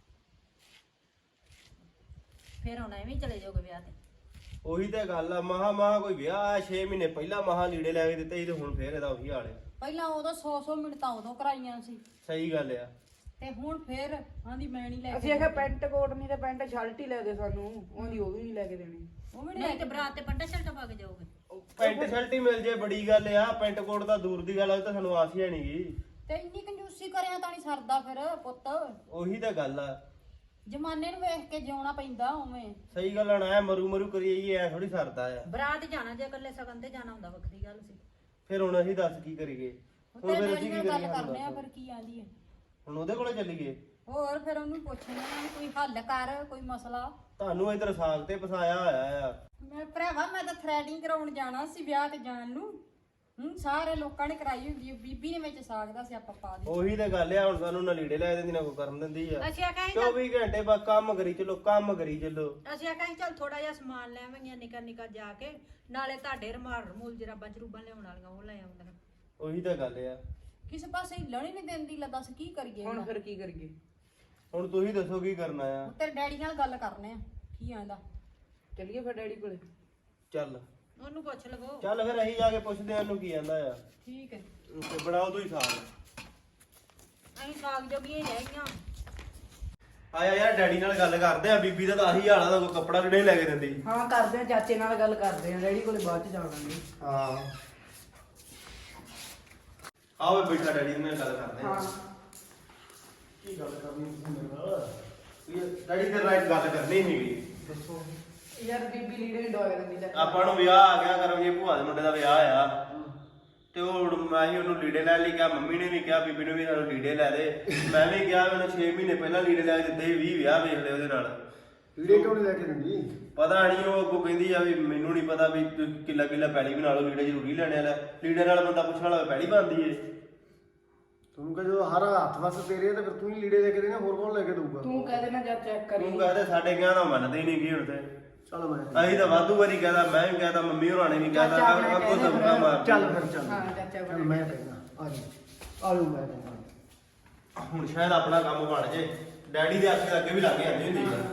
ਫਿਰ ਹੁਣ ਐਵੇਂ ਹੀ ਚਲੇ ਜਾਓਗੇ ਵਿਆਹ ਤੇ।
ਉਹੀ ਤਾਂ ਗੱਲ ਆ, ਮਹਾ ਕੋਈ ਵਿਆਹ ਆ 6 ਮਹੀਨੇ ਪਹਿਲਾਂ ਮਹਾ ਲੀੜੇ ਲੈ ਕੇ ਦਿੱਤੇ ਸੀ ਤੇ ਹੁਣ ਫੇਰ ਇਹਦਾ ਉਹੀ ਹਾਲ ਆ।
ਪਹਿਲਾਂ ਉਦੋਂ 100 ਮਿੰਟਾਂ ਉਦੋਂ ਕਰਾਈਆਂ ਸੀ
ਸਹੀ ਗੱਲ ਆ।
ਤੇ ਹੁਣ ਫੇਰ ਆਂਦੀ ਮੈਂ ਨਹੀਂ ਲੈ
ਅਸੀਂ ਆਖਿਆ ਪੈਂਟ ਕੋਟ ਨਹੀਂ ਤੇ ਪੈਂਟ ਸ਼ਰਟ ਹੀ ਲੈ ਦੇ ਸਾਨੂੰ, ਉਹਦੀ ਉਹ ਵੀ ਨਹੀਂ ਲੈ ਕੇ ਦੇਣੀ।
ਉਹ ਵੀ
ਨਹੀਂ ਤੇ ਬਰਾਤ ਤੇ ਪੰਡਾ ਸ਼ਰਟਾਂ ਪਾ ਕੇ ਜਾਓਗੇ।
ਪੈਂਟ ਸ਼ਰਟ ਹੀ ਮਿਲ ਜੇ ਬੜੀ ਗੱਲ ਆ, ਪੈਂਟ ਕੋਟ ਤਾਂ ਦੂਰ ਦੀ ਗੱਲ ਆ, ਉਹ ਤਾਂ ਸਾਨੂੰ ਆਸ ਹੀ ਨਹੀਂਗੀ।
ਤੇ ਇੰਨੀ ਕੰਜੂਸੀ ਕਰਿਆ ਤਾਂ ਨਹੀਂ ਸਰਦਾ ਫਿਰ ਪੁੱਤ।
ਉਹੀ ਤਾਂ ਗੱਲ ਆ।
ਜਮਾਨੇ ਨੂੰ ਵੇਖ ਕੇ ਜਿਉਣਾ ਪੈਂਦਾ ਉਵੇਂ।
ਸਹੀ ਗੱਲ ਆ ਨਾ, ਮਰੂ ਕਰੀਏ ਐ ਥੋੜੀ ਸਰਦਾ ਆ।
ਬਰਾਤ ਜਾਣਾ ਜੇ ਇਕੱਲੇ ਸਗਨ ਤੇ ਜਾਣਾ ਹੁੰਦਾ ਵੱਖਰੀ ਗੱਲ ਸੀ।
ਫਿਰ ਹੁਣ ਅਸੀਂ ਦੱਸ ਕੀ ਕਰੀਏ? ਹੁਣ
ਤੇਰੇ
ਫਿਰ
ਡੈਡੀ
ਅਸੀਂ
ਨਾਲ
ਕੀ
ਗੱਲ
ਕਰੀਏ?
ਕਰਨੇ ਆ ਫਿਰ ਕੀ ਆਂਦੀ ਹੈ।
ਹੁਣ ਉਹਦੇ ਕੋਲੇ ਚੱਲੀਏ?
ਹੋਰ ਫਿਰ ਉਹਨੂੰ ਪੁੱਛਣਾ ਕੋਈ ਹੱਲ ਕਰ, ਕੋਈ ਮਸਲਾ।
ਤੁਹਾਨੂੰ ਇਧਰ ਸਾਗ ਤੇ ਫਸਾਇਆ ਹੋਇਆ ਆ।
ਮੈਂ ਭਰਾਵਾ ਮੈਂ ਤਾਂ ਥ੍ਰੈਡਿੰਗ ਕਰਾਉਣ ਜਾਣਾ ਸੀ ਵਿਆਹ ਤੇ ਜਾਣ ਨੂੰ। ਸਾਰੇ ਲੋਕਾਂ ਨੇ ਕਰਾਈ ਹੁੰਦੀ ਹੈ, ਬੀਬੀ ਨੇ ਵਿੱਚ ਸਾਗ ਦਾ ਸਿਆਪਾ ਪਾ ਦਿੱਤਾ।
ਉਹੀ ਤਾਂ ਗੱਲ ਆ, ਹੁਣ ਸਾਨੂੰ ਨਾ ਲੀੜੇ ਲੈ ਦਿੰਦੀ ਨਾ ਕੋਈ ਕਰਨ ਦਿੰਦੀ ਆ।
ਅਸੀਂ ਆਖਿਆ
24 ਘੰਟੇ ਬਸ ਕੰਮ ਕਰੀ ਚੱਲੋ।
ਅਸੀਂ ਆਖਿਆ ਚੱਲ ਥੋੜਾ ਜਿਹਾ ਸਮਾਨ ਲੈ ਆਵਾਂਗੀਆਂ ਨਿੱਕਾ ਜਾ ਕੇ, ਨਾਲੇ ਤੁਹਾਡੇ ਰਮੂਲ ਜਰਾਬਾਂ ਜਰੂਬਾਂ ਲਿਆਉਣ ਵਾਲੀਆਂ ਉਹ ਲੈ ਆਉਂਦੀਆਂ।
ਉਹੀ ਤਾਂ ਗੱਲ ਆ।
ਕਿਸੇ ਪਾਸੇ ਹਿੱਲਣ ਹੀ ਨਹੀਂ ਦਿੰਦੀ। ਲੈ ਦੱਸ ਕੀ ਕਰੀਏ
ਹੁਣ
ਇਹਦਾ?
ਫਿਰ ਕੀ ਕਰੀਏ?
ਹੁਣ ਤੁਸੀਂ ਦੱਸੋ ਕੀ ਕਰਨਾ ਆ?
ਤੇਰੇ ਡੈਡੀ ਨਾਲ ਗੱਲ ਕਰਨੇ ਆ, ਕੀ ਆਂਦਾ।
ਚੱਲੀਏ ਫਿਰ ਡੈਡੀ ਕੋਲੇ।
ਚੱਲ
ਉਹਨੂੰ ਪੁੱਛ ਲਵੋ।
ਚੱਲ ਫਿਰ ਅਸੀਂ ਜਾ ਕੇ ਪੁੱਛਦੇ ਆ ਉਹਨੂੰ ਕੀ ਕਹਿੰਦਾ ਆ।
ਠੀਕ ਹੈ।
ਤੇ ਬਣਾਓ ਤੁਸੀਂ ਸਾਗ।
ਅਸੀਂ ਸਾਗ ਜੋਗੀਆਂ ਹੀ ਰਹਿ ਗਈਆਂ।
ਆਇਆ ਯਾਰ ਡੈਡੀ ਨਾਲ ਗੱਲ ਕਰਦੇ ਆ। ਬੀਬੀ ਦਾ ਤਾਂ ਆਹੀ ਹਾਲ ਆ, ਕੋਈ ਕੱਪੜਾ ਵੀ ਨਹੀਂ ਲੈ ਕੇ ਦਿੰਦੀ।
ਹਾਂ ਕਰਦੇ ਆ, ਚਾਚੇ ਨਾਲ ਗੱਲ ਕਰਦੇ ਆ, ਡੈਡੀ ਕੋਲੇ ਬਾਅਦ ਚ ਜਾਵਾਂਗੇ।
ਹਾਂ ਆਓ ਬੈਠਾ ਡੈਡੀ ਨਾਲ ਗੱਲ ਕਰਦੇ ਆ।
ਹਾਂ
ਕੀ ਗੱਲ ਕਰਨੀ ਤੁਸੀਂ ਮੇਰੇ ਨਾਲ? ਡੈਡੀ ਤੇ ਰਾਈਟ ਗੱਲ ਕਰਨੀ ਸੀਗੀ।
ਦੱਸੋ ਯਾਰ, ਬੀਬੀ ਲੀੜੇ ਨਹੀਂ ਡੋਇਆ ਦਿੰਦੀ ਚਾਚਾ।
ਆਪਾਂ ਨੂੰ ਵਿਆਹ ਆ ਗਿਆ ਕਰਮ ਜੀ, ਭੂਆ ਦੇ ਮੁੰਡੇ ਦਾ ਵਿਆਹ ਆ ਤੇ ਉਹ ਮੈਂ ਹੀ ਉਹਨੂੰ ਲੀੜੇ ਲੈ ਲਈ ਕਿਹਾ, ਮੰਮੀ ਨੇ ਵੀ ਕਿਹਾ ਬੀਬੀ ਨੂੰ ਵੀ ਸਾਨੂੰ ਲੀੜੇ ਲੈ ਦੇ। ਮੈਂ ਵੀ ਕਿਹਾ ਮੈਨੂੰ 6 ਮਹੀਨੇ ਪਹਿਲਾਂ ਲੀੜੇ ਲੈ ਕੇ ਦਿੱਤੇ 20 ਵਿਆਹ ਵੇਖ ਲਏ ਉਹਦੇ ਨਾਲ।
ਲੀੜੇ ਕਿਉਂ ਨਹੀਂ ਲੈ ਕੇ ਦਿੰਦੀ?
ਪਤਾ ਨਹੀਂ ਉਹ ਅੱਗੋਂ ਕਹਿੰਦੀ ਆ ਵੀ ਮੈਨੂੰ ਨਹੀਂ ਪਤਾ ਵੀ ਕਿੱਲਾ ਪੈਲੀ ਬਣਾ ਲਓ, ਲੀੜੇ ਜ਼ਰੂਰੀ ਲੈਣੇ ਆ। ਲੀੜੇ ਨਾਲ ਬੰਦਾ ਪੁੱਛਣ ਵਾਲਾ ਪੈਲੀ ਬਣਦੀ ਏ।
ਤੂੰ ਕਹ ਜਦੋਂ ਹਰ ਹੱਥ ਵਸ ਤੇਰੇ ਤੇ ਫਿਰ ਤੂੰ ਹੀ ਲੀੜੇ ਲੈ ਕੇ ਦੇਣਾ, ਹੋਰ ਕੌਣ ਲੈ ਕੇ ਦਊਗਾ?
ਤੂੰ ਕਹਿ ਦੇਣਾ ਜਦ ਚੈੱਕ ਕਰੀ।
ਤੂੰ ਕਹਦੇ ਸਾਡੇ ਕਹਿਣਾ ਮੰਨਦੇ ਹੀ ਨਹੀਂ ਕੀ ਹੁਣ ਤੇ।
ਚਲ ਮੈਂ
ਅਸੀਂ ਤਾਂ ਵਾਧੂ ਵਾਰੀ ਕਹਦਾ, ਮੈਂ ਵੀ ਕਹਦਾ, ਮੰਮੀ ਹੋਰਾਂ ਨੇ ਵੀ ਕਹਦਾ,
ਚਾਚਾ ਆਪਣੇ
ਅੱਗੋਂ
ਕਹਿੰਦੇ
ਧਮਕਾ ਮਾਰ।
ਚੱਲ ਫਿਰ ਚੱਲ।
ਹਾਂ ਚਾਚਾ
ਚੱਲ ਮੈਂ ਕਹਿੰਦਾ ਆ ਜਾ, ਆ ਲੂ ਮੈਂ ਕਹਿੰਦਾ।
ਹੁਣ ਸ਼ਾਇਦ ਆਪਣਾ ਕੰਮ ਬਣ ਜੇ। ਡੈਡੀ ਦੇ ਆਖੇ ਅੱਗੇ ਵੀ ਲੱਗ ਜਾਂਦੀ ਹੁੰਦੀ ਆ।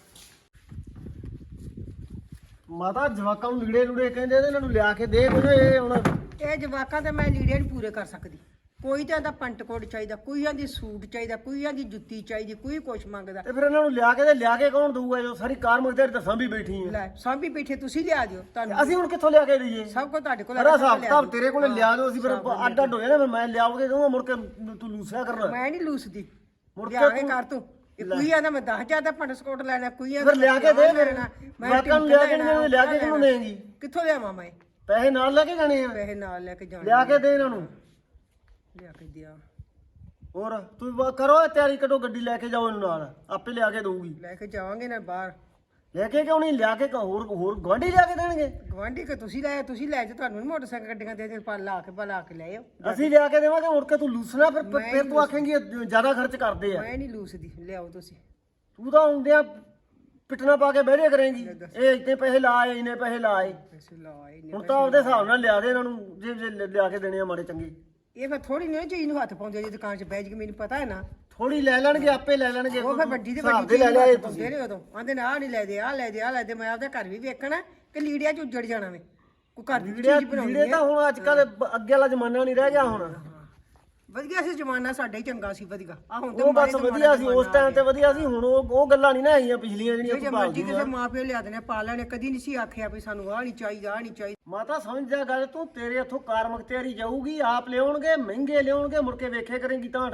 ਮਾਤਾ ਜਵਾਕਾਂ ਨੂੰ ਲੀੜੇ ਲੂੜੇ ਕਹਿੰਦੇ ਨੇ, ਇਹਨਾਂ ਨੂੰ ਲਿਆ ਕੇ ਦੇ ਕੋਈ। ਇਹ ਹੁਣ
ਇਹ ਜਵਾਕਾਂ ਤੇ ਮੈਂ ਲੀੜੇ ਨਹੀਂ ਪੂਰੇ ਕਰ ਸਕਦੀ। ਕੋਈ ਤਾਂ ਇਹਦਾ ਪੰਟ ਕੋਟ ਚਾਹੀਦਾ, ਕੋਈ ਆਂਦੀ ਸੂਟ ਚਾਹੀਦਾ, ਕੋਈ ਆਂਦੀ ਜੁੱਤੀ ਚਾਹੀਦੀ, ਕੋਈ ਕੁਛ ਮੰਗਦਾ।
ਤੇ ਫਿਰ ਇਹਨਾਂ ਨੂੰ ਲਿਆ ਕੇ ਤੇ ਲਿਆ ਕੇ ਕੌਣ ਦਊਗਾ? ਜੋ ਸਾਰੀ ਕਾਰ ਮਗਦੇ ਤੇ ਸਾਂਭੀ ਬੈਠੀ ਹੈ।
ਲੈ ਸਾਂਭੀ ਬੈਠੇ ਤੁਸੀਂ ਲਿਆ ਦਿਓ, ਤੁਹਾਨੂੰ
ਅਸੀਂ ਹੁਣ ਕਿੱਥੋਂ ਲਿਆ ਕੇ ਦਈਏ?
ਸਭ ਕੁਝ ਤੁਹਾਡੇ ਕੋਲ
ਸਾਰਾ
ਹੈਗਾ,
ਹਿਸਾਬ
ਲਿਆ
ਕਿਤਾਬ
ਦਿਓ।
ਤੇਰੇ ਕੋਲੇ ਲਿਆ ਦਿਓ। ਅਸੀਂ ਫਿਰ
ਹਾਂ,
ਅੱਡ ਅੱਡ ਹੋ ਜਾਣਾ। ਫਿਰ ਮੈਂ ਲਿਆਉਗੇ ਕਹੂੰਗਾ ਮੁੜ ਕੇ ਤੂੰ ਲੂਸਿਆ ਕਰਨਾ।
ਮੈਂ ਨਹੀਂ ਲੂਸਦੀ।
ਮੁੜ ਕੇ
ਲਿਆ ਕੇ
ਤੂੰ-
ਕਰ ਤੂੰ। ਇਹ ਕੋਈ ਆਂਦਾ ਮੈਂ 10,000 ਦਾ ਪੰਟ ਕੋਟ ਲੈਣਾ, ਕੋਈ
ਫਿਰ ਲਿਆ ਕੇ ਦੇ ਫਿਰ।
ਮੈਂ
ਜਵਾਕਾਂ ਨੂੰ ਲਿਆ ਕੇ ਨਹੀਂ, ਲਿਆ ਕੇ ਕਿਹਨੂੰ ਦੇਂਗੀ?
ਕਿੱਥੋਂ ਲਿਆਵਾਂ ਮੈਂ?
ਪੈਸੇ ਨਾਲ ਲੈ ਕੇ ਜਾਣੇ ਆ।
ਪੈਸੇ ਨਾਲ ਲੈ ਕੇ ਜਾਣਾ।
ਲਿਆ ਕੇ ਦੇ ਇਹਨਾਂ ਨੂੰ।
ਲਿਆ ਕੇ ਦਿਆ।
ਹੋਰ ਤੂੰ ਕਰੋ ਤਿਆਰੀ, ਕੱਢੋ ਗੱਡੀ ਲੈ ਕੇ ਜਾਓ ਇਹਨੂੰ ਨਾਲ, ਆਪੇ ਲਿਆ ਕੇ ਦਊਗੀ।
ਲੈ ਕੇ ਜਾਵਾਂਗੇ ਨਾ ਬਾਹਰ।
ਲੈ ਕੇ ਕਿਉਂ ਨਹੀਂ? ਲਿਆ ਕੇ ਹੋਰ ਗਵਾਂਢੀ ਲਿਆ ਕੇ ਦੇਣਗੇ।
ਗਵਾਂਢੀ ਕਿ ਤੁਸੀਂ ਲੈ ਜਾ, ਤੁਹਾਨੂੰ ਨੀ ਮੋਟਰਸਾਈਕਲ ਗੱਡੀਆਂ ਦੇ ਪਾ ਲਾ ਕੇ ਲੈ ਆਓ।
ਅਸੀਂ ਲਿਆ ਕੇ ਦੇਵਾਂਗੇ, ਮੁੜ ਕੇ ਤੂੰ ਲੂਸਣਾ। ਫਿਰ
ਮੈਂ
ਫਿਰ ਤੂੰ ਆਖੇਂਗੀ ਜ਼ਿਆਦਾ ਖਰਚ ਕਰਦੇ ਆ।
ਮੈਂ ਨਹੀਂ ਲੂਸਦੀ, ਲਿਆਓ ਤੁਸੀਂ।
ਤੂੰ ਤਾਂ ਹੁੰਦਿਆਂ ਪਿੱਟਣਾ ਪਾ ਕੇ ਬਹਿਰੇ ਕਰੇਂਗੀ। ਇਹ ਇੰਨੇ ਪੈਸੇ ਲਾਏ, ਇੰਨੇ ਪੈਸੇ ਲਾਏ।
ਪੈਸੇ ਲਾਏ ਨੇ।
ਹੁਣ ਤਾਂ ਆਪਦੇ ਹਿਸਾਬ ਨਾਲ ਲਿਆ ਦੇ ਇਹਨਾਂ ਨੂੰ, ਜੇ ਲਿਆ ਕੇ ਦੇਣੇ ਆ ਮਾੜੇ ਚੰਗੇ।
ਇਹ ਫਿਰ ਥੋੜੀ ਨਹੀਂ ਚੀਜ਼ ਨੂੰ ਹੱਥ ਪਾਉਂਦੇ ਜੀ ਦੁਕਾਨ 'ਚ ਬਹਿ ਜੀ, ਮੈਨੂੰ ਪਤਾ ਹੈ ਨਾ।
ਥੋੜੀ ਲੈ ਲੈਣਗੇ, ਆਪੇ ਲੈ ਲੈਣਗੇ।
ਉਹ ਫਿਰ ਵੱਡੀ ਤੇ
ਹਿਸਾਬ
ਵੱਡੀ
ਦੇ
ਚੀਜ਼
ਲੈ
ਨੂੰ
ਲਿਆ
ਹੱਥ ਪਾਉਂਦੇ ਨੇ ਉਦੋਂ। ਆਂਦੇ ਨੇ ਆਹ ਨਹੀਂ ਲੈ ਦੇ, ਆਹ ਲੈ ਦੇ, ਆਹ ਲੈ ਦੇ। ਮੈਂ ਆਪਦਾ ਘਰ ਵੀ ਵੇਖਣਾ ਕਿ ਲੀੜਿਆਂ 'ਚ ਉੱਜੜ ਜਾਣਾ ਵੇ। ਕੋਈ ਘਰ ਦੀ ਚੀਜ਼ ਬਣਾਉਣੀ
ਲੀੜੇ ਤਾਂ
ਹੈ।
ਹੁਣ ਅੱਜ ਕੱਲ ਅੱਗੇ ਵਾਲਾ ਜ਼ਮਾਨਾ ਨਹੀਂ ਰਹਿ ਗਿਆ ਹੁਣ।
ਵਧੀਆ ਸੀ ਜ਼ਮਾਨਾ, ਸਾਡਾ ਹੀ ਚੰਗਾ ਸੀ ਵਧੀਆ। ਆ ਹੁਣ
ਉਹ ਬਸ ਵਧੀਆ ਸੀ ਉਸ ਟਾਈਮ ਤੇ, ਵਧੀਆ ਸੀ। ਹੁਣ ਉਹ ਗੱਲਾਂ ਨਹੀਂ ਨਾ ਆਈਆਂ ਪਿਛਲੀਆਂ ਜਿਹੜੀਆਂ
ਜੇ
ਤੂੰ
ਮਰਜ਼ੀ
ਭਾਲਦੀ
ਕਿਸੇ
ਆ।
ਮਾਂ ਪਿਓ ਲਿਆ ਦੇਣੇ ਪਾ ਲੈਣੇ, ਕਦੀ ਨਹੀਂ ਸੀ ਆਖਿਆ ਵੀ ਸਾਨੂੰ ਆਹ ਨਹੀਂ ਚਾਹੀਦਾ, ਆਹ ਨਹੀਂ ਚਾਹੀਦਾ।
ਮਾਤਾ ਸਮਝ ਜਾ ਗੱਲ ਤੂੰ, ਤੇਰੇ ਇੱਥੋਂ ਕਾਰ ਮਖਤਿਆਰੀ ਜਾਊਗੀ, ਆਪ ਲਿਆਉਣਗੇ, ਮਹਿੰਗੇ ਲਿਆਉਣਗੇ, ਮੁੜ ਕੇ ਵੇਖੇ ਕਰੇਂਗੀ ਤਾਂ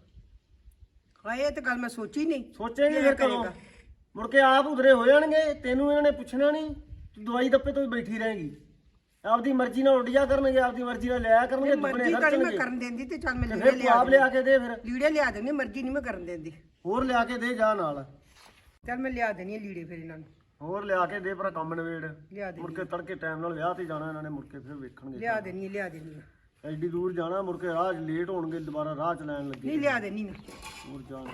ਹਾਂ ਇਹ ਤਾਂ ਗੱਲ ਮੈਂ ਸੋਚੀ ਨਹੀਂ।
ਸੋਚੇਂਗੇ ਫਿਰ ਕਦੋਂ? ਮੁੜ ਕੇ ਆਪ ਉਧਰੇ ਹੋ ਜਾਣਗੇ, ਤੈਨੂੰ ਇਹਨਾਂ ਨੇ ਪੁੱਛਣਾ ਨਹੀਂ। ਤੂੰ ਦਵਾਈ ਦੱਪੇ ਤੋਂ ਬੈਠੀ ਰਹੇਂਗੀ। ਆਪਦੀ ਮਰਜ਼ੀ ਨਾਲ ਉੱਡ ਜਾ ਕਰਨਗੇ, ਆਪਦੀ ਮਰਜ਼ੀ ਨਾਲ ਲਿਆ ਕਰਨਗੇ, ਦੁੱਗਣੇ
ਮਰਜ਼ੀ ਕਰੀ ਮੈਂ
ਖਰਚਣਗੇ।
ਕਰਨ ਦਿੰਦੀ ਤੇ ਚੱਲ ਮੈਂ
ਤੇ
ਲੀੜੇ
ਫਿਰ ਤੂੰ ਆਪ ਲਿਆ ਕੇ ਦੇ। ਫਿਰ
ਲੀੜੇ ਲਿਆ ਦੇਣੀ, ਮਰਜ਼ੀ ਨਹੀਂ ਮੈਂ ਕਰਨ ਦਿੰਦੀ।
ਹੋਰ ਲਿਆ ਕੇ ਦੇ ਜਾ ਨਾਲ।
ਚੱਲ ਮੈਂ ਲਿਆ ਦੇਣੀ ਲੀੜੇ ਫਿਰ ਇਹਨਾਂ ਨੂੰ।
ਹੋਰ ਲਿਆ ਕੇ ਦੇ, ਪਰ ਕੰਮ ਨਵੇੜ।
ਲਿਆ ਦੇ
ਮੁੜ ਕੇ ਤੜਕੇ ਟਾਈਮ ਨਾਲ ਵਿਆਹ ਤੇ ਜਾਣਾ ਇਹਨਾਂ ਨੇ, ਮੁੜ ਕੇ ਫਿਰ ਵੇਖਣਗੇ।
ਲਿਆ ਦੇਣੀ
ਐਡੀ ਦੂਰ ਜਾਣਾ, ਮੁੜ ਕੇ ਰਾਹ 'ਚ ਲੇਟ ਹੋਣਗੇ, ਦੁਬਾਰਾ ਰਾਹ 'ਚ ਲੈਣ ਲੱਗੇ।
ਨਹੀਂ ਲਿਆ ਦੇਣੀ ਮੈਂ।
ਹੋਰ ਜਾਣਾ।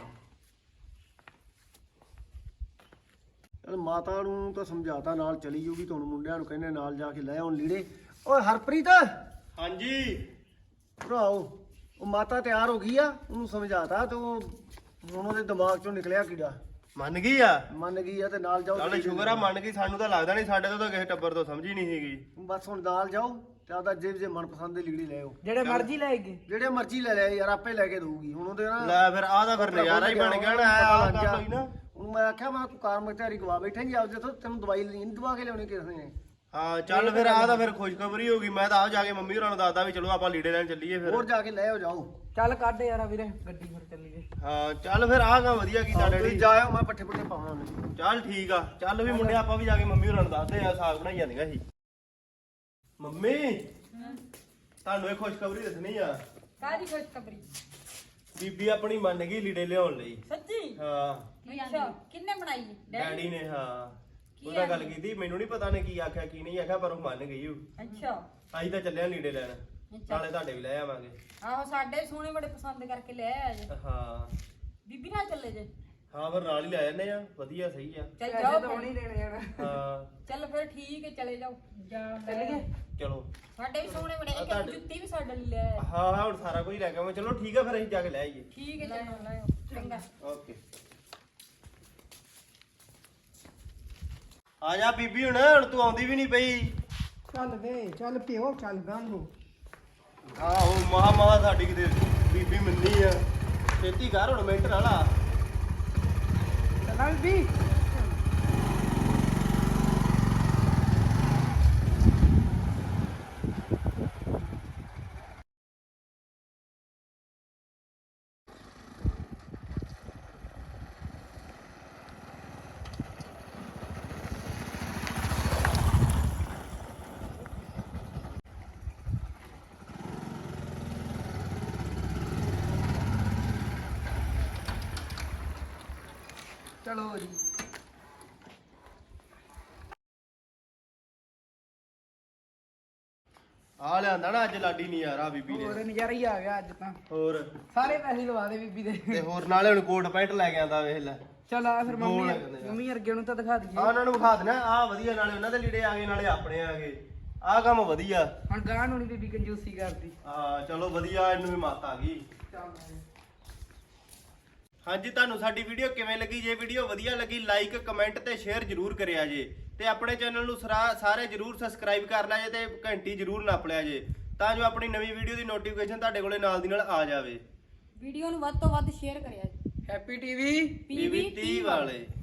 ਚਲ ਮਾਤਾ ਨੂੰ ਤਾਂ ਸਮਝਾਤਾ, ਨਾਲ ਚਲੀ ਜੂਗੀ। ਤੁਹਾਨੂੰ ਮੁੰਡਿਆਂ ਨੂੰ ਕਹਿੰਦੇ ਨਾਲ ਜਾ ਕੇ ਲੈ ਆਉਣ ਲੀੜੇ। ਓਏ ਹਰਪ੍ਰੀਤ,
ਹਾਂਜੀ
ਭਰਾਓ ਉਹ ਮਾਤਾ ਤਿਆਰ ਹੋ ਗਈ ਆ, ਉਹਨੂੰ ਸਮਝਾਤਾ ਤੇ ਉਹ ਹੁਣ ਉਹਦੇ ਦਿਮਾਗ ਚੋਂ ਨਿਕਲਿਆ ਕੀੜਾ।
ਮੰਨ ਗਈ ਆ।
ਮੰਨ ਗਈ ਆ ਤੇ ਨਾਲ ਜਾਓ।
ਚੱਲ ਸ਼ੁਕਰ ਆ ਮੰਨ ਗਈ, ਸਾਨੂੰ ਤਾਂ ਲੱਗਦਾ ਨਹੀਂ, ਸਾਡੇ ਤੋਂ ਤਾਂ ਕਿਸੇ ਟੱਬਰ ਤੋਂ ਸਮਝ ਹੀ ਨਹੀਂ ਸੀਗੀ।
ਬਸ ਹੁਣ ਨਾਲ ਜਾਓ ਤੇ ਆਪਦਾ ਜੇ ਮਨਪਸੰਦ ਦੇ ਲੀੜੇ ਲੈ ਆਓ।
ਜਿਹੜੇ ਮਰਜ਼ੀ ਲੈ ਗਏ
ਜਿਹੜੇ ਮਰਜ਼ੀ ਲੈ ਲਿਆ ਯਾਰ, ਆਪੇ ਲੈ ਕੇ ਦਊਗੀ ਹੁਣ ਉਹਦੇ ਨਾ।
ਲੈ ਫਿਰ ਆਹ ਤਾਂ ਫਿਰ ਨਜ਼ਾਰਾ ਹੀ ਬਣ ਗਿਆ ਨਾ, ਆਹ ਗੱਲ ਹੋਈ ਨਾ।
ਹੁਣ ਮੈਂ ਆਖਿਆ ਮੈਂ ਤੂੰ ਕਾਰ ਮਖਤਿਆਰੀ ਗਵਾ ਬੈਠੇਂਗੀ ਆਪਦੇ ਤੋਂ, ਤੈਨੂੰ ਦਵਾਈ ਨਹੀਂ ਦਵਾ ਕੇ ਲਿਆਉਣੀ ਕਿਸੇ ਨੇ।
ਹਾਂ ਚੱਲ ਫਿਰ ਆਹ ਤਾਂ ਫਿਰ ਖੁਸ਼ਖਬਰੀ ਹੋ ਗਈ। ਮੈਂ ਤਾਂ ਆ ਜਾ ਕੇ ਮੰਮੀ ਹੋਰਾਂ ਨੂੰ ਦੱਸਦਾ ਵੀ ਚਲੋ ਆਪਾਂ ਲੀੜੇ ਲੈਣ ਚੱਲੀਏ ਫਿਰ।
ਹੋਰ ਜਾ ਕੇ ਲੈ ਆਓ ਜਾਓ।
ਚੱਲ ਕੱਢ ਯਾਰ ਵੀਰੇ ਗੱਡੀ ਫਿਰ ਚੱਲੀਏ।
ਹਾਂ ਚੱਲ ਫਿਰ ਆਹ ਕੰਮ ਵਧੀਆ ਕੀਤਾ
ਤੁਸੀਂ
ਡੈਡੀ।
ਜਾਇਓ, ਮੈਂ ਪੱਠੇ ਪੁੱਠੇ ਪਾਉਣਾ ਉਹਨੇ।
ਚੱਲ ਠੀਕ ਆ, ਚੱਲ ਵੀ ਮੁੰਡੇ ਆਪਾਂ ਵੀ ਜਾ ਕੇ ਮੰਮੀ ਹੋਰਾਂ ਨੂੰ ਦੱਸਦੇ ਆ, ਸਾਗ ਬਣਾਈ ਜਾਂਦੀਆਂ ਸੀ। ਮੰਮੀ ਤੁਹਾਨੂੰ ਇਹ ਖੁਸ਼ਖਬਰੀ ਦੱਸਣੀ ਆ।
ਕਾਹਦੀ ਖੁਸ਼ਖਬਰੀ?
ਬੀਬੀ ਆਪਣੀ ਮੰਨ ਗਈ ਲੀੜੇ ਲਿਆਉਣ ਲਈ।
ਸੱਚੀ?
ਹਾਂ
ਅੱਛਾ, ਕਿੰਨੇ ਬਣਾਈ?
ਡੈਡੀ ਨੇ। ਹਾਂ ਉਹਦਾ ਗੱਲ ਕੀਤੀ, ਮੈਨੂੰ ਨਹੀਂ ਪਤਾ ਨੇ ਕੀ ਆਖਿਆ ਕੀ ਨਹੀਂ ਆਖਿਆ, ਪਰ ਉਹ ਮੰਨ ਗਈ ਉਹ।
ਅੱਛਾ।
ਅਸੀਂ ਤਾਂ ਚੱਲਿਆ ਲੀੜੇ ਲੈਣ, ਨਾਲੇ ਤੁਹਾਡੇ ਵੀ ਲੈ ਆਵਾਂਗੇ।
ਆਹੋ, ਸਾਡੇ ਸੋਹਣੇ ਬੜੇ ਪਸੰਦ ਕਰਕੇ ਲੈ ਆਇਆ ਜੇ।
ਹਾਂ
ਬੀਬੀ ਨਾਲ ਚੱਲੇ ਜੇ?
ਹਾਂ ਫਿਰ ਨਾਲ ਹੀ ਲੈ ਜਾਂਦੇ ਆ, ਵਧੀਆ ਸਹੀ ਆ।
ਚੱਲ
ਪੈਸੇ
ਜਾਓ
ਤਾਂ ਹੁਣ ਹੀ ਦੇਣੇ ਜਾਣਾ।
ਹਾਂ
ਚੱਲ ਫਿਰ ਠੀਕ ਹੈ, ਚਲੇ ਜਾਓ।
ਚੱਲੀਏ।
ਚਲੋ।
ਸਾਡੇ ਵੀ ਸੋਹਣੇ ਬੜੇ, ਇੱਕ
ਤੁਹਾਡੇ-
ਜੁੱਤੀ ਵੀ ਸਾਡੇ ਲਈ ਲੈ ਆਇਆ।
ਹਾਂ ਹਾਂ ਹੁਣ ਸਾਰਾ ਕੁਝ ਲੈ ਕੇ ਆਵਾਂ। ਚਲੋ ਠੀਕ ਆ, ਫਿਰ ਅਸੀਂ ਜਾ ਕੇ ਲੈ ਆਈਏ।
ਠੀਕ ਹੈ, ਚਲੋ ਲੈ ਆਓ। ਚੰਗਾ।
ਓਕੇ ਆ ਜਾ ਬੀਬੀ, ਹੁਣ ਤੂੰ ਆਉਂਦੀ ਵੀ ਨਹੀਂ ਪਈ।
ਚੱਲ ਵੇ ਚੱਲ ਪਿਓ ਚੱਲ ਗਾਂ ਨੂੰ।
ਆਹੋ ਮਹਾ ਸਾਡੀ ਕਿਤੇ ਬੀਬੀ ਮੰਨੀ ਆ। ਛੇਤੀ ਕਰ ਹੁਣ, ਮਿੰਟ ਨਾਲ ਆ।
ਚੱਲਾਂ ਵੀ। ਚਲੋ ਜੀ।
ਆ ਲਿਆਂਦਾ ਨਾ ਅੱਜ ਲਾਡੀ ਨਹੀਂ ਯਾਰ, ਆ ਬੀਬੀ
ਹੋਰ
ਨੇ।
ਨਜ਼ਾਰਾ ਹੀ ਆ ਗਿਆ ਅੱਜ ਤਾਂ।
ਹੋਰ
ਸਾਰੇ ਪੈਸੇ ਲਵਾ ਦੇ ਬੀਬੀ ਦੇ।
ਤੇ ਹੋਰ ਨਾਲੇ ਹੁਣ ਕੋਟ ਪੈਂਟ ਲੈ ਕੇ ਆਂਦਾ, ਵੇਖ ਲੈ।
ਚਲ ਆ ਫਿਰ
ਦੋ
ਮੰਮੀ
ਲੈ ਜਾਂਦੇ ਆ।
ਮੰਮੀ ਵਰਗੇ ਨੂੰ ਤਾਂ ਦਿਖਾ
ਆ
ਦਈਏ।
ਉਹਨਾਂ ਨੂੰ ਵਿਖਾ ਦੇਣਾ, ਆ ਵਧੀਆ, ਨਾਲੇ ਉਹਨਾਂ ਦੇ ਲੀੜੇ ਆ ਗਏ ਨਾਲੇ ਆਪਣੇ ਆ ਗਏ। ਆ ਕੰਮ ਵਧੀਆ।
ਹੁਣ ਗਾਂ ਨੂੰ ਨੀ ਬੀਬੀ ਕੰਜੂਸੀ ਕਰਦੀ।
ਹਾਂ ਚਲੋ ਵਧੀਆ, ਇਹਨੂੰ ਵੀ ਮੱਤ ਆ ਗਈ। ਹਾਂਜੀ ਤੁਹਾਨੂੰ ਸਾਡੀ ਵੀਡੀਓ ਕਿਵੇਂ ਲੱਗੀ? ਜੇ ਵੀਡੀਓ ਵਧੀਆ ਲੱਗੀ ਲਾਈਕ ਕਮੈਂਟ ਤੇ ਸ਼ੇਅਰ ਜਰੂਰ ਕਰਿਆ ਜੇ, ਤੇ ਆਪਣੇ ਚੈਨਲ ਨੂੰ ਸਾਰੇ ਜਰੂਰ ਸਬਸਕ੍ਰਾਈਬ ਕਰ ਲਿਆ ਜੇ, ਤੇ ਘੰਟੀ ਜਰੂਰ ਨੱਪ ਲਿਆ ਜੇ, ਤਾਂ ਜੋ ਆਪਣੀ ਨਵੀਂ ਵੀਡੀਓ ਦੀ ਨੋਟੀਫਿਕੇਸ਼ਨ ਤੁਹਾਡੇ ਕੋਲੇ ਨਾਲ ਦੀ ਨਾਲ ਆ ਜਾਵੇ।
ਵੀਡੀਓ ਨੂੰ ਵੱਧ ਤੋਂ ਵੱਧ ਸ਼ੇਅਰ ਕਰਿਆ ਜੀ।
ਹੈਪੀ ਟੀਵੀ
PV 30 ਵਾਲੇ।